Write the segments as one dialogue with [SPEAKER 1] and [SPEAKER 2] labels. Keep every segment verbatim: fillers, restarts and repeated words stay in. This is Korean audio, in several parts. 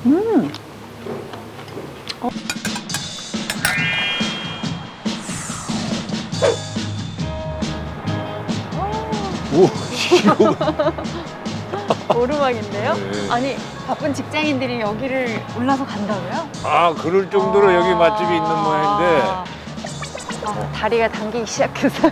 [SPEAKER 1] 음. 어.
[SPEAKER 2] 오, 이거.
[SPEAKER 1] 오르막인데요?
[SPEAKER 2] 네.
[SPEAKER 1] 아니, 바쁜 직장인들이 여기를 올라서 간다고요?
[SPEAKER 2] 아, 그럴 정도로
[SPEAKER 1] 아.
[SPEAKER 2] 여기 맛집이 있는 모양인데.
[SPEAKER 1] 아, 다리가 당기기 시작했어요.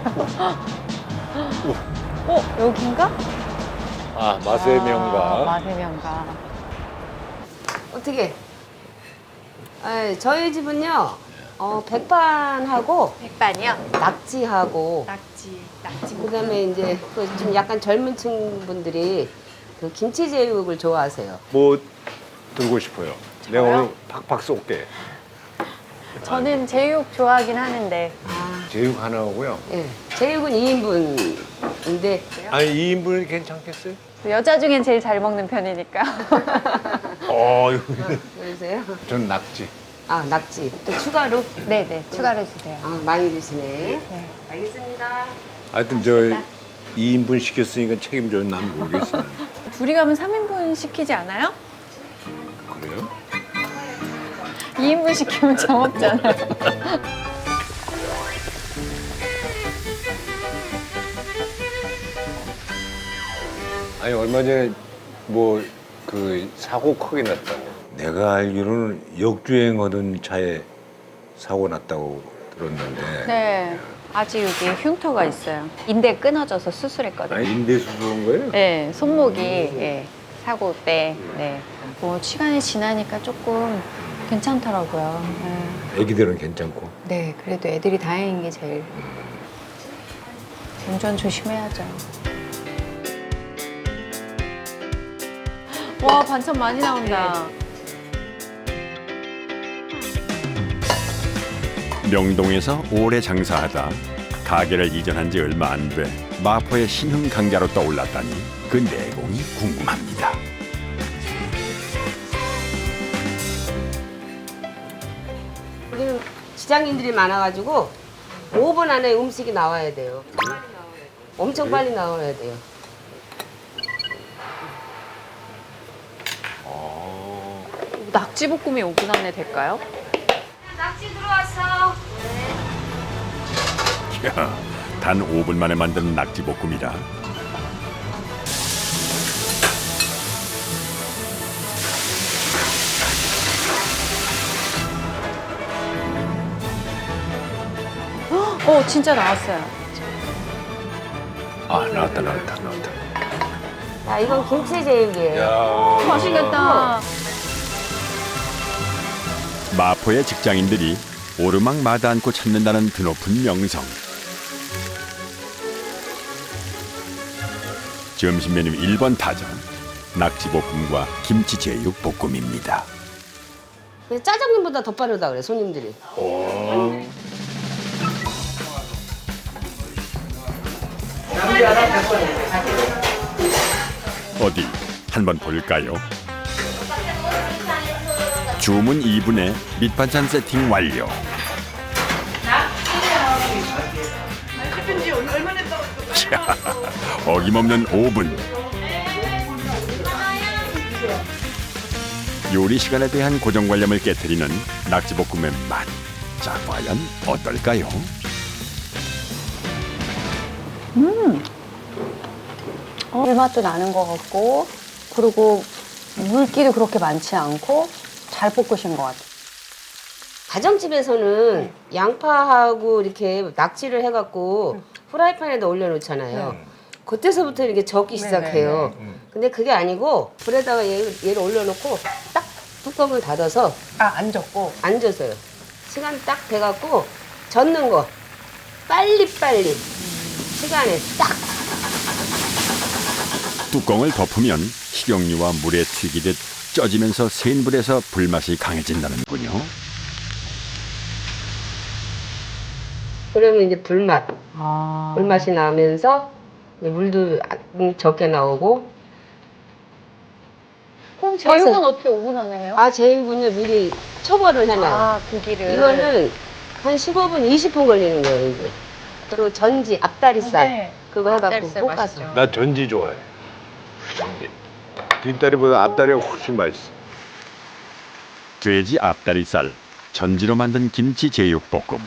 [SPEAKER 1] 어, 여긴가?
[SPEAKER 2] 아, 맛의
[SPEAKER 1] 아,
[SPEAKER 2] 명가.
[SPEAKER 1] 맛의 명가.
[SPEAKER 3] 어떻게? 에, 저희 집은요, 어, 백반하고
[SPEAKER 1] 백반이요?
[SPEAKER 3] 낙지하고
[SPEAKER 1] 낙지, 낙지.
[SPEAKER 3] 그다음에 이제 그 좀 약간 젊은 층 분들이 그 김치 제육을 좋아하세요.
[SPEAKER 2] 뭐 들고 싶어요? 내가 오늘 팍팍 쏠게.
[SPEAKER 1] 저는 제육 좋아하긴 하는데.
[SPEAKER 3] 아,
[SPEAKER 2] 제육 하나 오고요.
[SPEAKER 3] 예. 제육은 이 인분인데
[SPEAKER 2] 아니, 이 인분이 괜찮겠어요?
[SPEAKER 1] 여자 중엔 제일 잘 먹는 편이니까.
[SPEAKER 2] 어, 이거.
[SPEAKER 3] 그러세요?
[SPEAKER 2] 전 낙지.
[SPEAKER 3] 아, 낙지. 또 추가로?
[SPEAKER 1] 네네, 추가로 주세요.
[SPEAKER 3] 아, 많이 드시네.
[SPEAKER 1] 네.
[SPEAKER 3] 알겠습니다.
[SPEAKER 2] 하여튼 저 이 인분 시켰으니까 책임져요. 난 모르겠어요.
[SPEAKER 1] 둘이 가면 삼 인분 시키지 않아요?
[SPEAKER 2] 그래요?
[SPEAKER 1] 이 인분 시키면 정없잖아요.
[SPEAKER 2] 아니, 얼마 전에 뭐 그 사고 크게 났다고. 내가 알기로는 역주행하던 차에 사고 났다고 들었는데.
[SPEAKER 1] 네. 아직 여기 흉터가 있어요. 인대 끊어져서 수술했거든요.
[SPEAKER 2] 아니, 인대 수술한 거예요?
[SPEAKER 1] 네, 손목이 예, 사고 때. 네. 뭐 시간이 지나니까 조금 괜찮더라고요. 네.
[SPEAKER 2] 애기들은 괜찮고.
[SPEAKER 1] 네, 그래도 애들이 다행인 게 제일. 운전 조심해야죠. 와, 반찬 많이 나온다.
[SPEAKER 4] 명동에서 오래 장사하다 가게를 이전한 지 얼마 안 돼 마포의 신흥 강자로 떠올랐다니 그 내공이 궁금합니다.
[SPEAKER 3] 우리는 지장인들이 많아가지고 오 분 안에 음식이 나와야 돼요. 엄청 빨리 나와야 돼요.
[SPEAKER 1] 낙지볶음이 오 분 안에 될까요?
[SPEAKER 3] 낙지 들어왔어.
[SPEAKER 4] 이야, 단 오 분 만에 만드는 낙지볶음이라
[SPEAKER 1] 어, 진짜 나왔어요.
[SPEAKER 2] 아, 나왔다, 나왔다, 나왔다.
[SPEAKER 3] 자, 이건 김치 제육이에요.
[SPEAKER 2] 야,
[SPEAKER 1] 맛있겠다.
[SPEAKER 4] 마포의 직장인들이 오르막마다 않고 찾는다는 드높은 명성. 점심 메뉴 일 번 타전 낙지볶음과 김치제육 볶음입니다.
[SPEAKER 3] 근데 짜장면보다 더 빠르다 그래 손님들이.
[SPEAKER 4] 어디 한번 볼까요? 주문 이 분에 밑반찬 세팅 완료. 자, 어김없는 오 분. 요리 시간에 대한 고정관념을 깨트리는 낙지볶음의 맛. 자, 과연 어떨까요?
[SPEAKER 1] 어, 불맛도 나는 것 같고, 그리고 물기도 그렇게 많지 않고 잘 볶으신 것 같아요.
[SPEAKER 3] 가정집에서는 양파하고 이렇게 낙지를 해갖고 프라이팬에다 올려놓잖아요. 그때서부터 이렇게 적기 시작해요. 근데 그게 아니고 불에다가 얘, 얘를 올려놓고 딱 뚜껑을 닫아서
[SPEAKER 1] 아, 안 젓고.
[SPEAKER 3] 앉아서요. 시간 딱 돼갖고 젓는 거 빨리빨리 시간에 딱.
[SPEAKER 4] 뚜껑을 덮으면 식용유와 물에 튀기듯 쪄지면서 센 불에서 불맛이 강해진다는군요.
[SPEAKER 3] 그러면 이제 불맛,
[SPEAKER 1] 아.
[SPEAKER 3] 불맛이 나면서 이제 물도 적게 나오고.
[SPEAKER 1] 그럼 제육은 어떻게 오 분 안에 해요?
[SPEAKER 3] 아, 제육은요 미리 초벌을 해놔요.
[SPEAKER 1] 아, 고기를.
[SPEAKER 3] 이거는 한 십오 분, 이십 분 걸리는 거예요, 이게. 그리고 전지, 앞다리살.
[SPEAKER 1] 네.
[SPEAKER 3] 그거 해갖고
[SPEAKER 1] 앞다리살
[SPEAKER 3] 볶아서.
[SPEAKER 1] 맛있죠.
[SPEAKER 2] 나 전지 좋아해. 전지. 뒷다리보다 앞다리가 훨씬 맛있어.
[SPEAKER 4] 돼지 앞다리살, 전지로 만든 김치 제육볶음.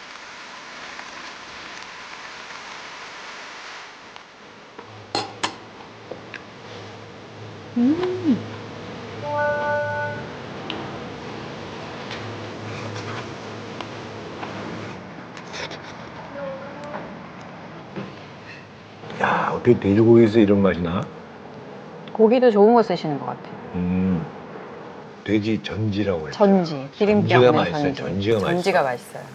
[SPEAKER 2] 야, 어떻게 돼지고기에서 이런 맛이 나?
[SPEAKER 1] 고기도 좋은 거 쓰시는 것 같아요.
[SPEAKER 2] 음, 돼지 전지라고 해요.
[SPEAKER 1] 전지, 기름기
[SPEAKER 2] 전지가
[SPEAKER 1] 없는
[SPEAKER 2] 맛있어요.
[SPEAKER 1] 전지.
[SPEAKER 2] 전지가 맛있어요.
[SPEAKER 1] 전지가 맛있어요.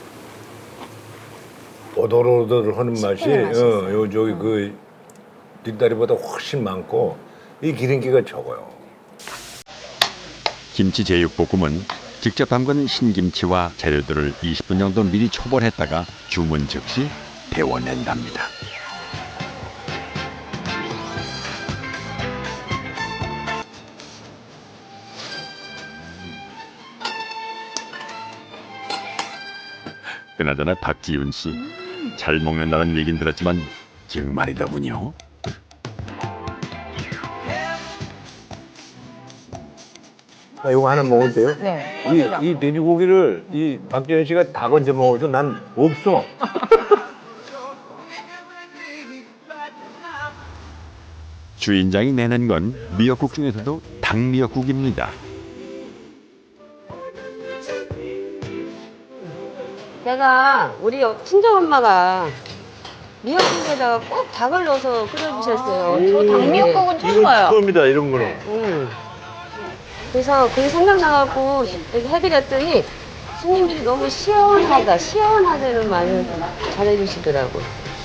[SPEAKER 2] 오돌오돌 하는 맛이,
[SPEAKER 1] 씹히는 맛이
[SPEAKER 2] 어,
[SPEAKER 1] 있어요.
[SPEAKER 2] 요 저기 그 뒷다리보다 훨씬 많고 이 기름기가 적어요.
[SPEAKER 4] 김치 제육볶음은 직접 담근 신김치와 재료들을 이십 분 정도 미리 초벌했다가 주문 즉시 데워낸답니다. 그나저나 박지윤 씨, 잘 먹는다는 얘긴 들었지만 정말이더군요.
[SPEAKER 2] 아, 이거 하나 먹어도 돼요?
[SPEAKER 1] 네.
[SPEAKER 2] 이, 이 돼지고기를 이 박재현 씨가 다 건져 먹어도 난 없어.
[SPEAKER 4] 주인장이 내는 건 미역국 중에서도 닭미역국입니다.
[SPEAKER 3] 제가 우리 친정 엄마가 미역국에다가 꼭 닭을 넣어서 끓여주셨어요.
[SPEAKER 1] 저 닭미역국은 처음 봐요.
[SPEAKER 2] 처음이다 이런 거는.
[SPEAKER 3] 음. 그래서 그게 생각나갖고 이렇게 해드렸더니 손님들이 너무 시원하다, 시원하다는 말을 잘해주시더라고.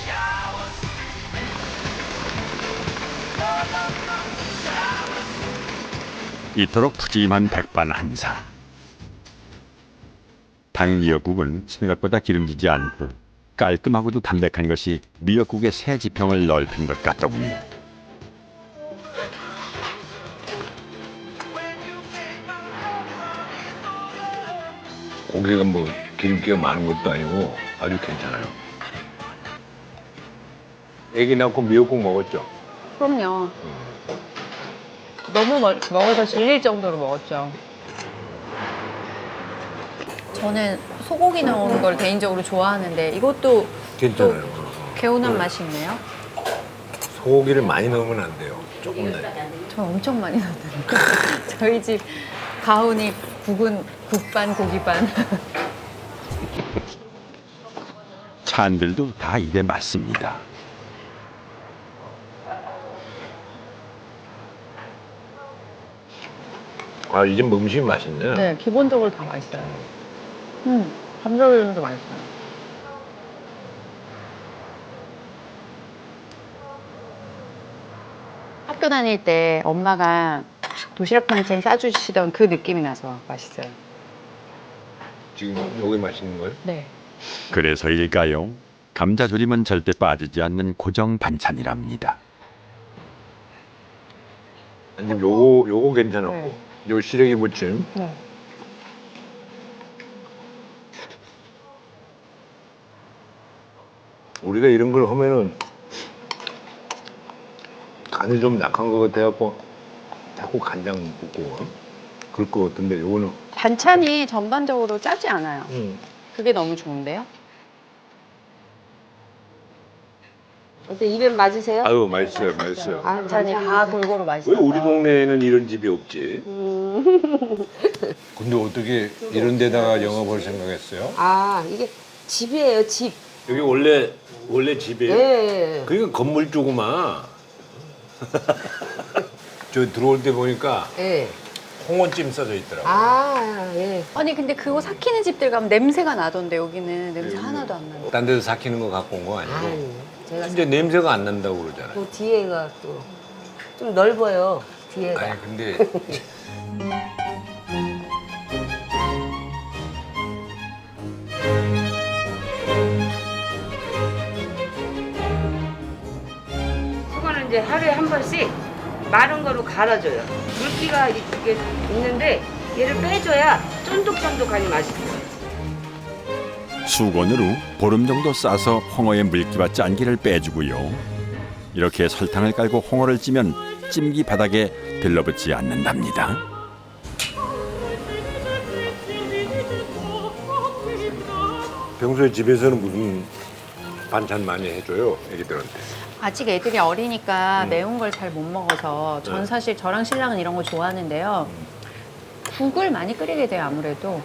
[SPEAKER 4] 이토록 푸짐한 백반 한상. 닭미역국은 생각보다 기름지지 않고 깔끔하고도 담백한 것이 미역국의 새 지평을 넓힌 것 같더군요.
[SPEAKER 2] 고기가 뭐 기름기가 많은 것도 아니고 아주 괜찮아요. 애기 낳고 미역국 먹었죠?
[SPEAKER 1] 그럼요. 너무 멀, 먹어서 질릴 정도로 먹었죠. 저는 소고기 넣은 걸 개인적으로 좋아하는데 이것도
[SPEAKER 2] 괜찮아요.
[SPEAKER 1] 개운한 맛이 있네요.
[SPEAKER 2] 소고기를 많이 넣으면 안 돼요. 조금 넣어요.
[SPEAKER 1] 저 엄청 많이 넣었는데 저희 집 가훈이 국은 국반 고기반.
[SPEAKER 4] 찬들도 다 입에 맞습니다.
[SPEAKER 2] 아, 이제 뭐 음식이 맛있네.
[SPEAKER 5] 네, 기본적으로 다 맛있어요. 음, 감자튀김도 맛있어요.
[SPEAKER 1] 학교 다닐 때 엄마가 도시락 반찬 싸주시던 그 느낌이 나서 맛있어요.
[SPEAKER 2] 지금 여기 맛있는 거예요?
[SPEAKER 1] 네.
[SPEAKER 4] 그래서일까요? 감자조림은 절대 빠지지 않는 고정 반찬이랍니다.
[SPEAKER 2] 아니, 요거 요거 괜찮았고,
[SPEAKER 1] 네.
[SPEAKER 2] 요 시래기 무침.
[SPEAKER 1] 네.
[SPEAKER 2] 우리가 이런 걸 하면은 간이 좀 약한 것 같아갖고 자꾸 간장 붓고 어? 그럴 것 같은데 요거는
[SPEAKER 1] 반찬이 전반적으로 짜지 않아요.
[SPEAKER 2] 음.
[SPEAKER 1] 그게 너무 좋은데요?
[SPEAKER 3] 어때, 입에 맞으세요?
[SPEAKER 2] 아유 맛있어요, 맛있어요.
[SPEAKER 3] 아,
[SPEAKER 1] 반찬이 다 골고루
[SPEAKER 2] 왜
[SPEAKER 1] 맛있어요.
[SPEAKER 2] 우리 동네에는 이런 집이 없지?
[SPEAKER 3] 음.
[SPEAKER 2] 근데 어떻게 이런 데다가 영업을 생각했어요?
[SPEAKER 3] 아, 이게 집이에요, 집.
[SPEAKER 2] 여기 원래 원래
[SPEAKER 3] 예.
[SPEAKER 2] 집이에요?
[SPEAKER 3] 예.
[SPEAKER 2] 그러니까 건물 조그마. 저 들어올 때 보니까
[SPEAKER 3] 예.
[SPEAKER 2] 홍어찜 써져 있더라고.
[SPEAKER 3] 아, 예.
[SPEAKER 1] 아니 근데 그거 삭히는 집들 가면 냄새가 나던데 여기는 냄새 하나도 안 나요.
[SPEAKER 2] 딴 데서 삭히는 거 갖고 온 거 아니고.
[SPEAKER 3] 아니, 제가
[SPEAKER 2] 이제 냄새가 안 난다고 그러잖아요.
[SPEAKER 3] 또 뒤에가 또 좀 넓어요, 뒤에가.
[SPEAKER 2] 아니 근데
[SPEAKER 3] 수건은 이제 하루에 한 번씩 마른 거로 갈아줘요. 물기가 이렇게 있는데 얘를 빼줘야 쫀득쫀득하니 맛있어요.
[SPEAKER 4] 수건으로 보름 정도 싸서 홍어의 물기와 짠기를 빼주고요. 이렇게 설탕을 깔고 홍어를 찌면 찜기 바닥에 들러붙지 않는답니다.
[SPEAKER 2] 평소에 집에서는 무슨 반찬 많이 해줘요 애기들한테?
[SPEAKER 1] 아직 애들이 어리니까
[SPEAKER 2] 음.
[SPEAKER 1] 매운 걸 잘 못 먹어서 전
[SPEAKER 2] 네.
[SPEAKER 1] 사실 저랑 신랑은 이런 거 좋아하는데요. 국을 많이 끓이게 돼요, 아무래도.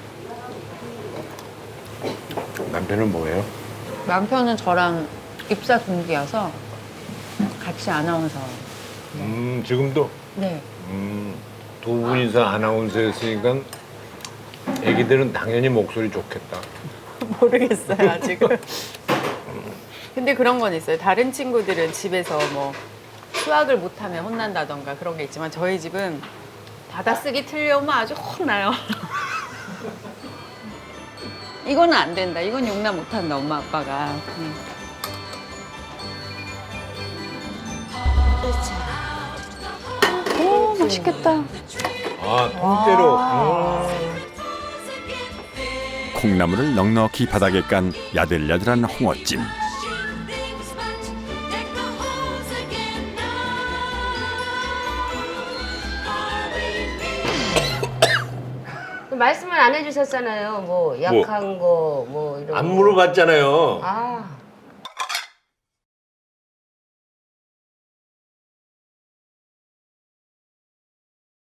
[SPEAKER 2] 남편은 뭐예요?
[SPEAKER 1] 남편은 저랑 입사 동기여서 같이 아나운서.
[SPEAKER 2] 음 지금도
[SPEAKER 1] 네.
[SPEAKER 2] 음, 두 분이서 아나운서였으니까 애기들은 당연히 목소리 좋겠다.
[SPEAKER 5] 모르겠어요 아직은. 근데 그런 건 있어요. 다른 친구들은 집에서 뭐 수학을 못하면 혼난다던가 그런 게 있지만 저희 집은 받아쓰기 틀려오면 아주 혼나요. 이거는 안 된다. 이건 용납 못한다 엄마 아빠가. 음.
[SPEAKER 1] 오, 맛있겠다.
[SPEAKER 2] 아 통째로. 음.
[SPEAKER 4] 콩나물을 넉넉히 바닥에 깐 야들야들한 홍어찜.
[SPEAKER 3] 말씀을 안 해주셨잖아요. 뭐 약한 거 뭐 이런.
[SPEAKER 2] 안
[SPEAKER 3] 거.
[SPEAKER 2] 물어봤잖아요.
[SPEAKER 3] 아